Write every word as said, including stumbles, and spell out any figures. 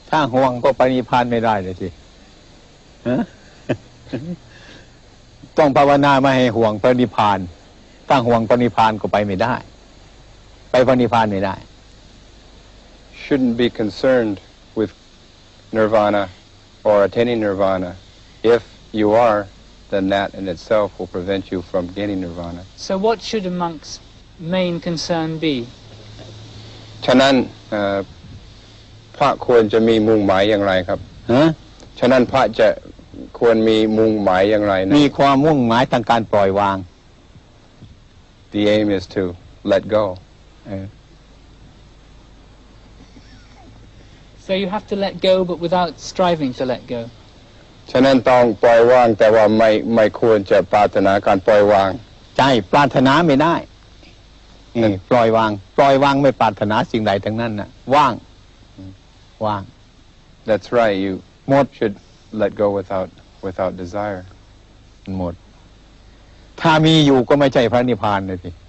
ถ้าห่วงก็ไปนิพพานไม่ได้เลยสิต้องภาวนาไม่ให้ห่วงพระนิพพานถ้าห่วงพระนิพพานก็ไปไม่ได้ไปพระนิพพานไม่ได้ Shouldn't be concerned with nirvana or attaining nirvana. If you are, then that in itself will prevent you from gaining nirvana. So what should a monk's main concern be? ฉะนั้นพระควรจะมีมุ่งหมายอย่างไรครับฮะฉะนั้นพระจะควรมีมุ่งหมายอย่างไรนะมีความมุ่งหมายทางการปล่อยวาง The aim is to let go. So you have to let go, but without striving to let go. ฉะนั้นต้องปล่อยวางแต่ว่าไม่ไม่ควรจะปรารถนาการปล่อยวางใช่ปรารถนาไม่ได้ปล่อยวางปล่อยวางไม่ปรารถนาสิ่งใดทั้งนั้นน่ะว่างว่าง That's right. You หมด should let go without without desire. หมดถ้ามีอยู่ก็ไม่ใช่พระนิพพานเลยสิ